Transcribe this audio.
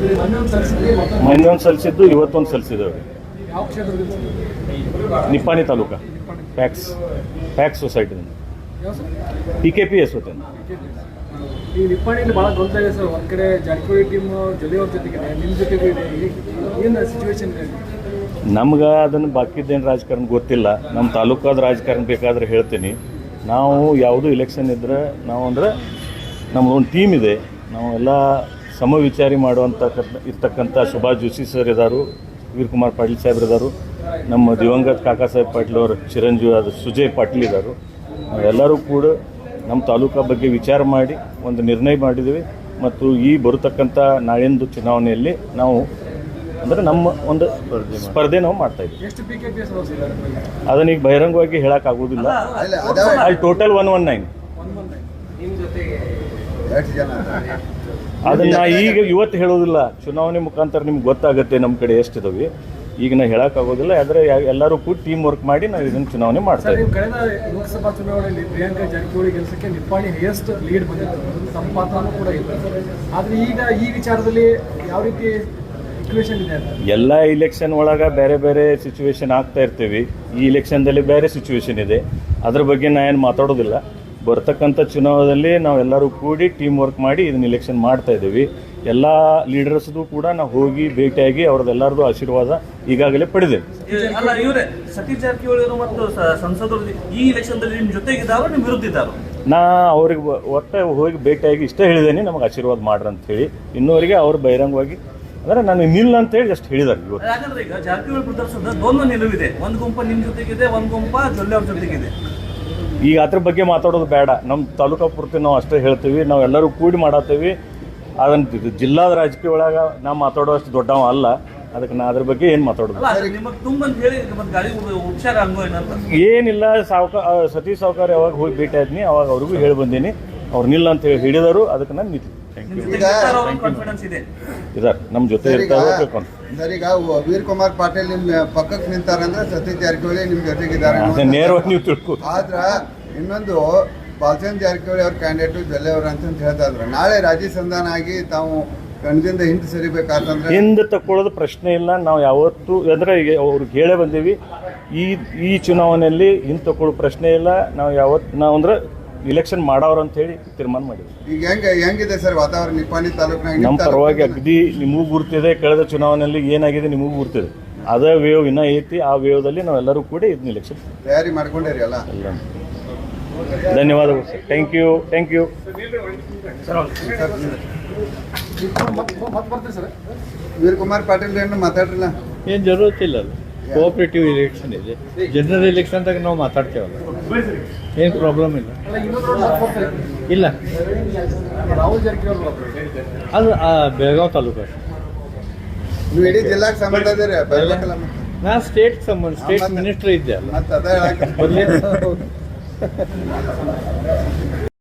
ಮೊನ್ನೆ ಸಲ್ಲಿಸಿದ್ದು ಇವತ್ತೊಂದು ಸಲ್ಲಿಸಿದ್ದೇವೆ. ನಿಪ್ಪಾಣಿ ತಾಲೂಕಾ ಪ್ಯಾಕ್ಸ್ ಸೊಸೈಟಿಯಿಂದ PKPS ಹೋತೆ. ಈ ನಿಪ್ಪಾಣಿಯಲ್ಲಿ ಭಾಳ ಗೊಂದಲ ಇದೆ ಸರ್. ಒಂದು ಕಡೆ ಜಾರಕಿಹೊಳಿ ಟೀಮ್ ಜೊತೆ ಅವ್ರ ಜೊತೆಗಿದೆ, ನಿಮ್ಮ ಜೊತೆಗೂ ಇದೆ. ಏನು ಸಿಚುವೇಶನ್ ಇದೆ? ನಮ್ಗೆ ಅದನ್ನು ಬಾಕಿದ್ದೇನು ರಾಜಕಾರಣ ಗೊತ್ತಿಲ್ಲ. ನಮ್ಮ ತಾಲೂಕಾದ ರಾಜಕಾರಣ ಬೇಕಾದ್ರೆ ಹೇಳ್ತೀನಿ. ನಾವು ಯಾವುದೂ ಇಲೆಕ್ಷನ್ ಇದ್ದರೆ ನಾವು ಅಂದರೆ ನಮ್ಮದೊಂದು ಟೀಮ್ ಇದೆ. ನಾವು ಎಲ್ಲ ಸಮವಿಚಾರಿ ಮಾಡುವಂಥ ಇರ್ತಕ್ಕಂಥ ಸುಭಾಷ್ ಜೋಶಿ ಸರ್ ಇದ್ದಾರೆ, ವೀರಕುಮಾರ್ ಪಾಟೀಲ್ ಸಾಹೇಬ್ರು ಇದ್ದಾರೆ, ನಮ್ಮ ದಿವಂಗತ ಕಾಕಾ ಸಾಹೇಬ್ ಪಾಟೀಲ್ ಅವರು ಚಿರಂಜೀವಿ ಆದ ಸುಜಯ್ ಪಾಟೀಲ್ ಇದ್ದಾರೆ. ನಾವೆಲ್ಲರೂ ಕೂಡ ನಮ್ಮ ತಾಲೂಕಾ ಬಗ್ಗೆ ವಿಚಾರ ಮಾಡಿ ಒಂದು ನಿರ್ಣಯ ಮಾಡಿದ್ದೀವಿ. ಮತ್ತು ಈ ಬರತಕ್ಕಂಥ ನಾಳಿಂದು ಚುನಾವಣೆಯಲ್ಲಿ ನಾವು ಅಂದರೆ ನಮ್ಮ ಒಂದು ಸ್ಪರ್ಧೆ ನಾವು ಮಾಡ್ತಾಯಿದ್ದೀವಿ. ಅದನ್ನ ಈಗ ಬಹಿರಂಗವಾಗಿ ಹೇಳೋಕ್ಕಾಗೋದಿಲ್ಲ. ಅಲ್ಲಿ ಟೋಟಲ್ 119. ಅದನ್ನು ಈಗ ಇವತ್ತು ಹೇಳೋದಿಲ್ಲ. ಚುನಾವಣೆ ಮುಖಾಂತರ ನಿಮ್ಗೆ ಗೊತ್ತಾಗುತ್ತೆ ನಮ್ಮ ಕಡೆ ಎಷ್ಟಿದಾವೆ. ಈಗ ನಾವು ಹೇಳೋಕ್ಕಾಗೋದಿಲ್ಲ. ಆದರೆ ಎಲ್ಲರೂ ಕೂಡ ಟೀಮ್ ವರ್ಕ್ ಮಾಡಿ ನಾವು ಇದನ್ನು ಚುನಾವಣೆ ಮಾಡ್ತಾ ಇದ್ದೀವಿ. ಕಳೆದ ಲೋಕಸಭಾ ಚುನಾವಣೆಯಲ್ಲಿ ಪ್ರಿಯಾಂಕಾ ಜಾರಕಿಹೊಳಿ ಗೆಲ್ಸಕ್ಕೆ ನಿಪ್ಪಾಣಿ ಹೈಯೆಸ್ಟ್ ಲೀಡ್ ಬಂದಿತ್ತು, ತಮ್ಮ ಪಾತ್ರನೂ ಕೂಡ ಇಲ್ಲ. ಆದರೆ ಈಗ ಈ ವಿಚಾರದಲ್ಲಿ ಯಾವ ರೀತಿ ಸಿಚುವೇಶನ್ ಇದೆ? ಎಲ್ಲ ಇಲೆಕ್ಷನ್ ಒಳಗೆ ಬೇರೆ ಬೇರೆ ಸಿಚುವೇಶನ್ ಆಗ್ತಾ ಇರ್ತೀವಿ. ಈ ಇಲೆಕ್ಷನ್ದಲ್ಲಿ ಬೇರೆ ಸಿಚುವೇಶನ್ ಇದೆ. ಅದ್ರ ಬಗ್ಗೆ ನಾ ಏನು ಮಾತಾಡೋದಿಲ್ಲ. ಬರ್ತಕ್ಕಂಥ ಚುನಾವಣೆಯಲ್ಲಿ ನಾವೆಲ್ಲರೂ ಕೂಡಿ ಟೀಮ್ ವರ್ಕ್ ಮಾಡಿ ಇದನ್ನ ಇಲೆಕ್ಷನ್ ಮಾಡ್ತಾ ಇದ್ದೀವಿ. ಎಲ್ಲ ಲೀಡರ್ಸ್ದು ಕೂಡ ನಾವು ಹೋಗಿ ಭೇಟಿಯಾಗಿ ಅವ್ರದ್ದೆಲ್ಲರದು ಆಶೀರ್ವಾದ ಈಗಾಗಲೇ ಪಡೆದೇವೆ. ಅಲ್ಲ, ಇವರೇ ಸತೀಶ್ ಜಾರಕಿಹೊಳಿ ಮತ್ತು ಸಂಸದರು ಈ ಇಲೆಕ್ಷನ್ದಲ್ಲಿ ನಿಮ್ಮ ಜೊತೆಗಿದ್ದಾರೋ ನಿಮ್ಮ ವಿರುದ್ಧ ಇದ್ದಾರೋ? ನಾ ಅವ್ರಿಗೆ ಒಟ್ಟು ಹೋಗಿ ಭೇಟಿಯಾಗಿ ಇಷ್ಟೇ ಹೇಳಿದ್ದೇನೆ, ನಮಗೆ ಆಶೀರ್ವಾದ ಮಾಡ್ರಿ ಅಂತ ಹೇಳಿ. ಇನ್ನೂವರೆಗೆ ಅವ್ರು ಬಹಿರಂಗವಾಗಿ ಅಂದರೆ ನಾನು ನಿಲ್ಲ ಅಂತ ಹೇಳಿ ಜಸ್ಟ್ ಹೇಳಿದ್ದಾರೆ. ಇವತ್ತು ಯಾಕಂದ್ರೆ ಈಗ ಜಾರಕಿಹೊಳಿ ಪ್ರದರ್ಶನದ ದ್ವಂದ್ವ ನಿಲುವಿದೆ. ಒಂದು ಗುಂಪ ನಿಮ್ಮ ಜೊತೆಗಿದೆ, ಒಂದು ಗುಂಪ ಜೊಲ್ಲೆ ಅವ್ರ ಜೊತೆಗಿದೆ. ಈಗ ಅದ್ರ ಬಗ್ಗೆ ಮಾತಾಡೋದು ಬೇಡ. ನಮ್ಮ ತಾಲೂಕಾ ಪೂರ್ತಿ ನಾವು ಅಷ್ಟೇ ಹೇಳ್ತೀವಿ. ನಾವೆಲ್ಲರೂ ಕೂಡಿ ಮಾಡತ್ತೀವಿ. ಅದನ್ನು ಜಿಲ್ಲಾದ ರಾಜಕೀಯ ಒಳಗೆ ನಾವು ಮಾತಾಡೋಷ್ಟು ದೊಡ್ಡವ ಅಲ್ಲ. ಅದಕ್ಕೆ ನಾ ಅದ್ರ ಬಗ್ಗೆ ಏನು ಮಾತಾಡೋದು ಏನಿಲ್ಲ. ಸತೀಶ್ ಸಾವ್ಕಾರ ಯಾವಾಗ ಹೋಗಿ ಭೇಟಿ ಆದ್ನಿ ಅವಾಗ ಅವ್ರಿಗೂ ಹೇಳಿ ಬಂದೀನಿ. ಅವ್ರು ನಿಲ್ಲ ಅಂತ ಹೇಳಿ ಹಿಡಿದರು. ಅದಕ್ಕೆ ನಾನು ನಿಂತು ಇದಾರೆ ನಮ್ಮ ಜೊತೆ ಇರ್ತಾರೆ. ಸರ್, ಈಗ ವೀರಕುಮಾರ್ ಪಾಟೀಲ್ ನಿಮ್ಮ ಪಕ್ಕಕ್ಕೆ ನಿಂತಾರಂದ್ರೆ ಸತೀಶ್ ಜಾರಕಿಹೊಳಿ ನಿಮ್ಮ ಜೊತೆಗಿದ್ದಾರೆ ನೇರವಾಗಿ ನೀವು ತಿಳ್ಕೊ. ಆದ್ರ ಇನ್ನೊಂದು ಬಾಲಚಂದ್ರ ಜಾರಕಿಹೊಳಿ ಅವ್ರ ಕ್ಯಾಂಡಿಡೇಟು ಜೊಲ್ಲೆ ಅವ್ರ ಅಂತ ಹೇಳ್ತಾ ಇದ್ರು. ನಾಳೆ ರಾಜಿ ಸಂಧಾನ ಆಗಿ ತಾವು ಕಣದಿಂದ ಹಿಂದೆ ಸರಿಬೇಕಾತಂದ್ರೆ ಹಿಂದೆ ತಕ್ಕೊಳ್ಳೋದು ಪ್ರಶ್ನೆ ಇಲ್ಲ. ನಾವು ಯಾವತ್ತು ಅಂದರೆ ಅವ್ರಿಗೆ ಹೇಳೇ ಬಂದೀವಿ. ಈ ಚುನಾವಣೆಯಲ್ಲಿ ಹಿಂದೆ ತಗೊಳ್ಳೋ ಪ್ರಶ್ನೆ ಇಲ್ಲ. ನಾವು ಅಂದ್ರೆ ಇಲೆಕ್ಷನ್ ಮಾಡೋರು ಅಂತ ಹೇಳಿ ತೀರ್ಮಾನ ಮಾಡಿದ್ವಿ. ಈಗ ಹೆಂಗಿದೆ ಸರ್ ವಾತಾವರಣ ನಿಪ್ಪಾಣಿ ತಾಲೂಕಿನಾಗ? ನಮ್ಮ ಪರವಾಗಿ ಅಗದಿ ನಿಮಗೂ ಗುರ್ತಿದೆ. ಕಳೆದ ಚುನಾವಣೆಯಲ್ಲಿ ಏನಾಗಿದೆ ನಿಮಗೂ ಗುರ್ತಿದೆ. ಅದೇ ವೇವ್ ಇನ್ನೂ ಐತಿ. ಆ ವೇವ್ದಲ್ಲಿ ನಾವೆಲ್ಲರೂ ಕೂಡ ಇದನ್ನ ಇಲೆಕ್ಷನ್ ತಯಾರಿ ಮಾಡ್ಕೊಂಡಿರಿ ಅಲ್ಲ? ಧನ್ಯವಾದಗಳು sir. Thank you. Veerakumar Patil ಏನು ಮಾತಾಡ್ರಲ್ಲ? ಏನು ಜರೂರತ್ತಿಲ್ಲ. ಅದು ಕೋಆಪರೇಟಿವ್ ಇಲೆಕ್ಷನ್ ಇದೆ. ಜನರಲ್ ಎಲೆಕ್ಷನ್ದಾಗ ನಾವು ಮಾತಾಡ್ತೇವಲ್ಲ, ಏನು ಪ್ರಾಬ್ಲಮ್ ಇಲ್ಲ. ಇಲ್ಲ, ಅದು ಬೆಳಗಾವಿ ತಾಲೂಕು. ನೀವು ಇಡೀ ಜಿಲ್ಲಾಕ್ಕೆ ಸಂಬಂಧ ಇದೀರಿ? ನಾ ಸ್ಟೇಟ್ ಸಂಬಂಧ, ಸ್ಟೇಟ್ ಮಿನಿಸ್ಟರ್ ಇದ್ದೆ ಅಲ್ಲ. ಮತ್ತೆ ಅದ ಹೇಳಕ್ಕೆ